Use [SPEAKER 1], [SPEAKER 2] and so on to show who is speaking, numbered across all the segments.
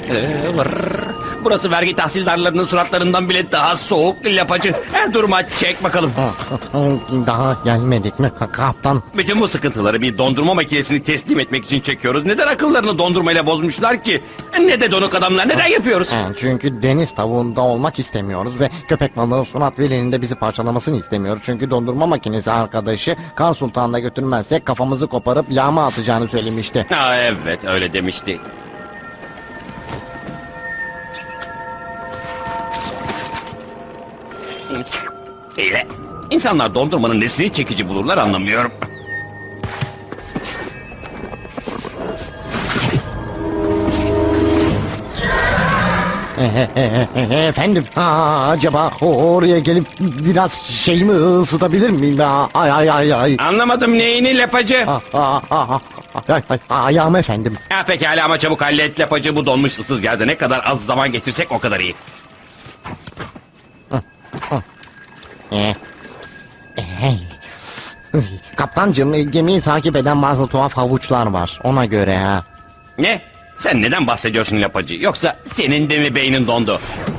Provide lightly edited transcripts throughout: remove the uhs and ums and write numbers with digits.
[SPEAKER 1] Burası vergi tahsildarlarının suratlarından bile daha soğuk lapacı. Durma, çek bakalım.
[SPEAKER 2] Daha gelmedik mi kaptan?
[SPEAKER 1] Bütün bu sıkıntıları bir dondurma makinesini teslim etmek için çekiyoruz. Neden akıllarını dondurmayla bozmuşlar ki? Ne de donuk adamlar, neden yapıyoruz?
[SPEAKER 2] Çünkü deniz tavuğunda olmak istemiyoruz ve köpek balığı Sunat Veli'nin de bizi parçalamasını istemiyoruz. Çünkü dondurma makinesi arkadaşı Kar Sultan'da götürmezsek kafamızı koparıp yağma atacağını söylemişti.
[SPEAKER 1] Evet, öyle demişti. İyi de insanlar dondurmanın nesini çekici bulurlar anlamıyorum.
[SPEAKER 2] Efendim, acaba oraya gelip biraz şeyimi ısıtabilir miyim? Ay.
[SPEAKER 1] Anlamadım neyini lapacı?
[SPEAKER 2] Ayağım efendim.
[SPEAKER 1] Pekala ama çabuk hallet lapacı, bu donmuş ıssız yerde ne kadar az zaman geçirsek o kadar iyi.
[SPEAKER 2] Kaptancığım, gemiyi takip eden bazı tuhaf havuçlar var. Ona göre ha.
[SPEAKER 1] Ne? Sen neden bahsediyorsun lapacı? Yoksa senin de mi beynin dondu?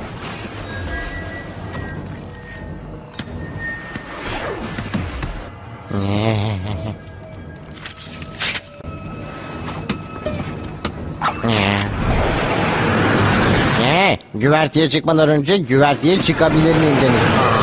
[SPEAKER 2] Güverteye çıkmadan önce güverteye çıkabilir miyim demiş.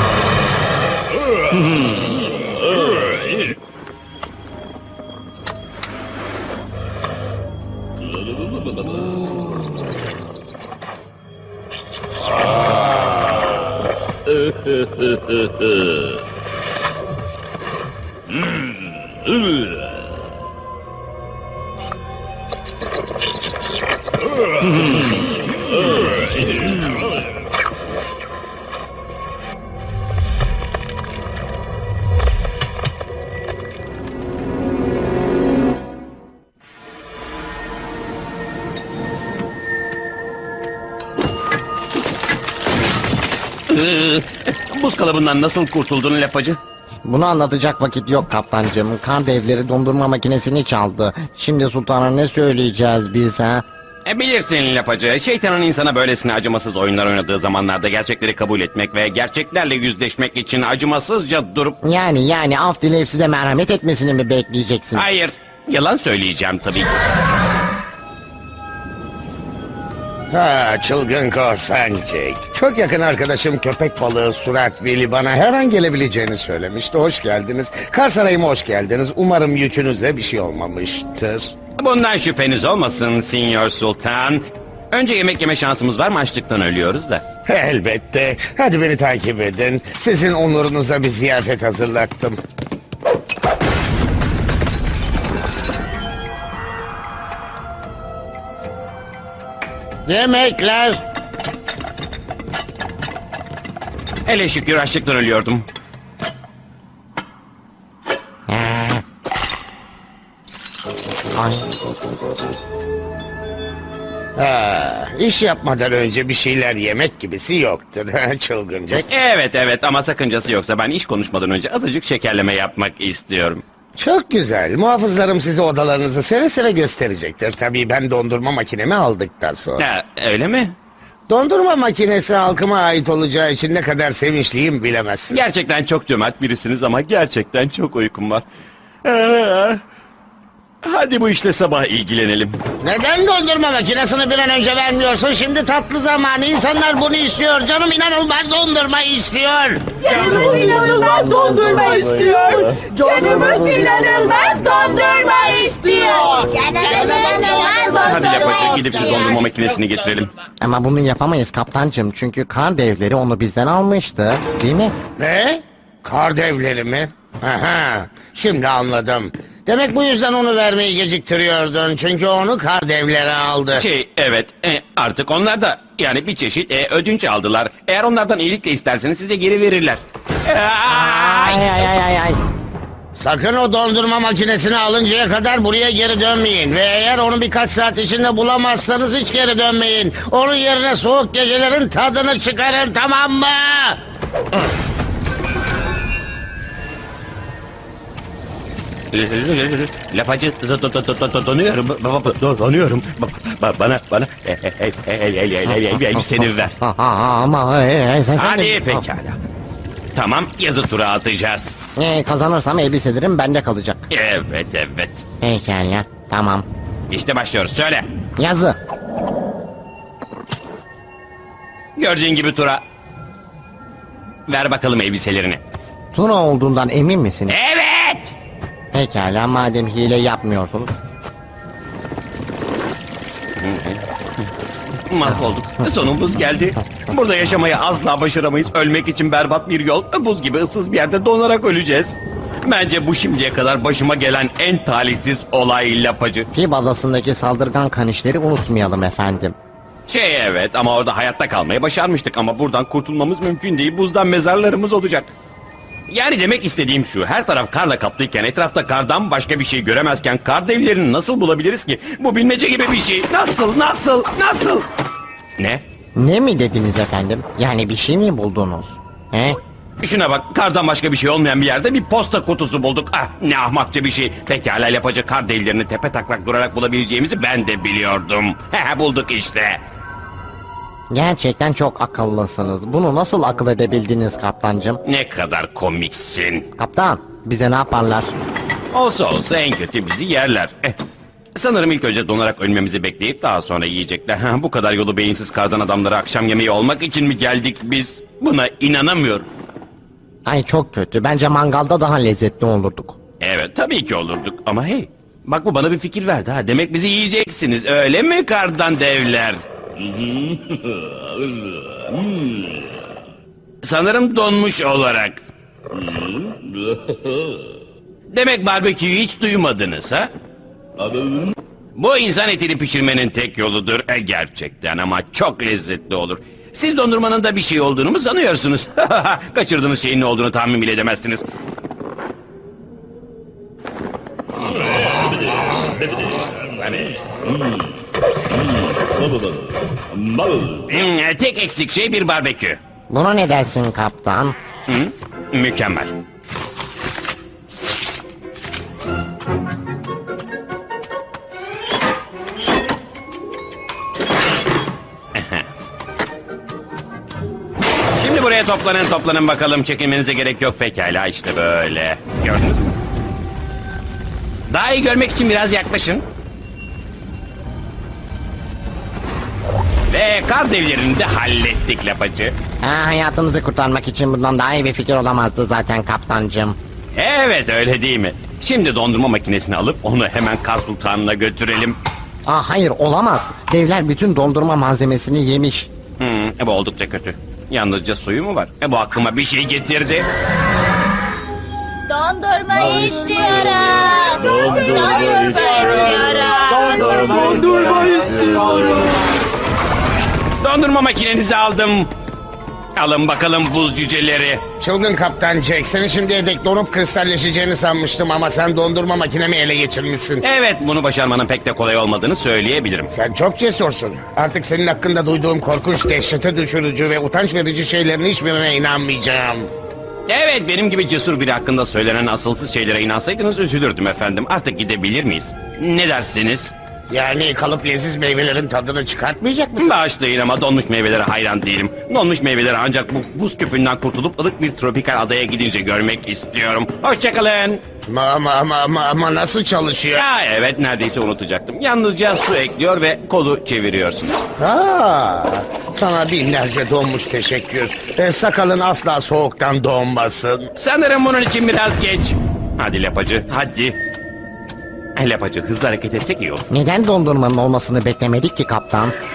[SPEAKER 1] Buz kalıbından nasıl kurtuldun lapacı?
[SPEAKER 2] Bunu anlatacak vakit yok kaptancığım. Kar devleri dondurma makinesini çaldı. Şimdi sultana ne söyleyeceğiz biz ha?
[SPEAKER 1] Bilirsin lapacı, şeytanın insana böylesine acımasız oyunlar oynadığı zamanlarda gerçekleri kabul etmek ve gerçeklerle yüzleşmek için acımasızca durup...
[SPEAKER 2] Yani af dileyip size merhamet etmesini mi bekleyeceksin?
[SPEAKER 1] Hayır, yalan söyleyeceğim tabii.
[SPEAKER 3] Çılgın korsan Jack. Çok yakın arkadaşım köpek balığı Surat Veli bana her an gelebileceğini söylemişti. Hoş geldiniz. Kar Sarayı'ma hoş geldiniz. Umarım yükünüze bir şey olmamıştır.
[SPEAKER 1] Bundan şüpheniz olmasın Sinyor Sultan. Önce yemek yeme şansımız var mı? Açlıktan ölüyoruz da.
[SPEAKER 3] Elbette. Hadi beni takip edin. Sizin onurunuza bir ziyafet hazırlattım. Yemekler.
[SPEAKER 1] Hele şükür açlıktan ölüyordum.
[SPEAKER 2] Ay.
[SPEAKER 3] İş yapmadan önce bir şeyler yemek gibisi yoktur. Çılgın Jack.
[SPEAKER 1] Evet ama sakıncası yoksa ben iş konuşmadan önce azıcık şekerleme yapmak istiyorum.
[SPEAKER 3] Çok güzel. Muhafızlarım size odalarınızı seve seve gösterecektir. Tabii ben dondurma makinemi aldıktan sonra.
[SPEAKER 1] Öyle mi?
[SPEAKER 3] Dondurma makinesi halkıma ait olacağı için ne kadar sevinçliyim bilemezsin.
[SPEAKER 1] Gerçekten çok cömert birisiniz ama gerçekten çok uykum var. Hadi bu işle sabah ilgilenelim.
[SPEAKER 3] Neden dondurma makinesini bir an önce vermiyorsun? Şimdi tatlı zamanı. İnsanlar bunu istiyor. Canım inanılmaz dondurma istiyor.
[SPEAKER 4] Canımız inanılmaz dondurma istiyor. Canımız inanılmaz dondurma istiyor.
[SPEAKER 1] Hadi lapacı, gidip şu dondurma makinesini getirelim.
[SPEAKER 2] Ama bunu yapamayız kaptancığım. Çünkü kar devleri onu bizden almıştı. Değil mi?
[SPEAKER 3] Ne? Kar devleri mi? Aha, şimdi anladım. Demek bu yüzden onu vermeyi geciktiriyordun. Çünkü onu kar devleri aldı.
[SPEAKER 1] Evet, artık onlar da yani bir çeşit ödünç aldılar. Eğer onlardan iyilikle isterseniz size geri verirler.
[SPEAKER 2] Ay.
[SPEAKER 3] Sakın o dondurma makinesini alıncaya kadar buraya geri dönmeyin. Ve eğer onu birkaç saat içinde bulamazsanız hiç geri dönmeyin. Onun yerine soğuk gecelerin tadını çıkarın, tamam mı?
[SPEAKER 1] Lapacı donuyorum. Donuyorum. Bana elbiseni ver.
[SPEAKER 2] Ama efendim.
[SPEAKER 1] Hadi pekala. Tamam, yazı tura atacağız.
[SPEAKER 2] Kazanırsam elbiselerim bende kalacak.
[SPEAKER 1] Evet.
[SPEAKER 2] Pekala, tamam.
[SPEAKER 1] İşte başlıyoruz. Söyle.
[SPEAKER 2] Yazı.
[SPEAKER 1] Gördüğün gibi tura. Ver bakalım elbiselerini.
[SPEAKER 2] Tuna olduğundan emin misiniz?
[SPEAKER 1] Evet.
[SPEAKER 2] Pekala, madem hile yapmıyorsunuz.
[SPEAKER 1] Mahvolduk. Sonumuz geldi. Burada yaşamayı asla başaramayız. Ölmek için berbat bir yol. Buz gibi ıssız bir yerde donarak öleceğiz. Bence bu şimdiye kadar başıma gelen en talihsiz olay Lapacı.
[SPEAKER 2] Fib adasındaki saldırgan kanişleri unutmayalım efendim.
[SPEAKER 1] Evet ama orada hayatta kalmayı başarmıştık ama buradan kurtulmamız mümkün değil. Buzdan mezarlarımız olacak. Yani demek istediğim şu, her taraf karla kaplıyken, etrafta kardan başka bir şey göremezken kar devlerini nasıl bulabiliriz ki? Bu bilmece gibi bir şey. Nasıl? Ne?
[SPEAKER 2] Ne mi dediniz efendim? Yani bir şey mi buldunuz? He?
[SPEAKER 1] Şuna bak, kardan başka bir şey olmayan bir yerde bir posta kutusu bulduk. Ah, ne ahmakça bir şey. Pekala Lapacı, kar devlerini tepe taklak durarak bulabileceğimizi ben de biliyordum. Bulduk işte.
[SPEAKER 2] Gerçekten çok akıllısınız. Bunu nasıl akıl edebildiniz kaptancım?
[SPEAKER 1] Ne kadar komiksin.
[SPEAKER 2] Kaptan, bize ne yaparlar?
[SPEAKER 1] Olsa en kötü bizi yerler. Sanırım ilk önce donarak ölmemizi bekleyip daha sonra yiyecekler. Bu kadar yolu beyinsiz kardan adamlara akşam yemeği olmak için mi geldik biz? Buna inanamıyorum.
[SPEAKER 2] Ay çok kötü. Bence mangalda daha lezzetli olurduk.
[SPEAKER 1] Evet tabii ki olurduk ama hey. Bak bu bana bir fikir verdi ha. Demek bizi yiyeceksiniz öyle mi kardan devler? Sanırım donmuş olarak. Demek barbeküyü hiç duymadınız ha? Bu insan etini pişirmenin tek yoludur. Gerçekten ama çok lezzetli olur. Siz dondurmanın da bir şey olduğunu mu sanıyorsunuz? Kaçırdığınız şeyin ne olduğunu tahmin bile edemezsiniz. Tek eksik şey bir barbekü.
[SPEAKER 2] Buna ne dersin kaptan?
[SPEAKER 1] Mükemmel. Şimdi buraya toplanın bakalım. Çekinmenize gerek yok pekala işte böyle. Gördünüz mü? Daha iyi görmek için biraz yaklaşın. Ve kar devlerini de hallettik Lapacı.
[SPEAKER 2] Hayatımızı kurtarmak için bundan daha iyi bir fikir olamazdı zaten kaptancım.
[SPEAKER 1] Evet öyle değil mi? Şimdi dondurma makinesini alıp onu hemen Kar Sultanı'na götürelim.
[SPEAKER 2] Hayır olamaz. Devler bütün dondurma malzemesini yemiş.
[SPEAKER 1] Bu oldukça kötü. Yalnızca suyu mu var? Bu aklıma bir şey getirdi.
[SPEAKER 4] Dondurma istiyorum. Dondurma istiyorum.
[SPEAKER 1] Dondurma makinenizi aldım. Alın bakalım buz cüceleri.
[SPEAKER 3] Çılgın kaptan Jack, seni şimdiye dek donup kristalleşeceğini sanmıştım ama sen dondurma makinemi ele geçirmişsin.
[SPEAKER 1] Evet bunu başarmanın pek de kolay olmadığını söyleyebilirim.
[SPEAKER 3] Sen çok cesursun. Artık senin hakkında duyduğum korkunç, dehşete düşürücü ve utanç verici şeylerin hiçbirine inanmayacağım.
[SPEAKER 1] Evet benim gibi cesur biri hakkında söylenen asılsız şeylere inansaydınız üzülürdüm efendim. Artık gidebilir miyiz? Ne dersiniz?
[SPEAKER 3] Yani kalıp leziz meyvelerin tadını çıkartmayacak mısın?
[SPEAKER 1] Bağışlayın ama donmuş meyvelere hayran değilim. Donmuş meyveleri ancak bu buz küpünden kurtulup ılık bir tropikal adaya gidince görmek istiyorum. Hoşçakalın.
[SPEAKER 3] Ama nasıl çalışıyor?
[SPEAKER 1] Ya evet neredeyse unutacaktım. Yalnızca su ekliyor ve kolu çeviriyorsun.
[SPEAKER 3] Sana binlerce donmuş teşekkür. Sakalın asla soğuktan donmasın.
[SPEAKER 1] Sanırım bunun için biraz geç. Hadi Lapacı hadi. Lapacı hızlı hareket etsek iyi olur.
[SPEAKER 2] Neden dondurmanın olmasını beklemedik ki kaptan?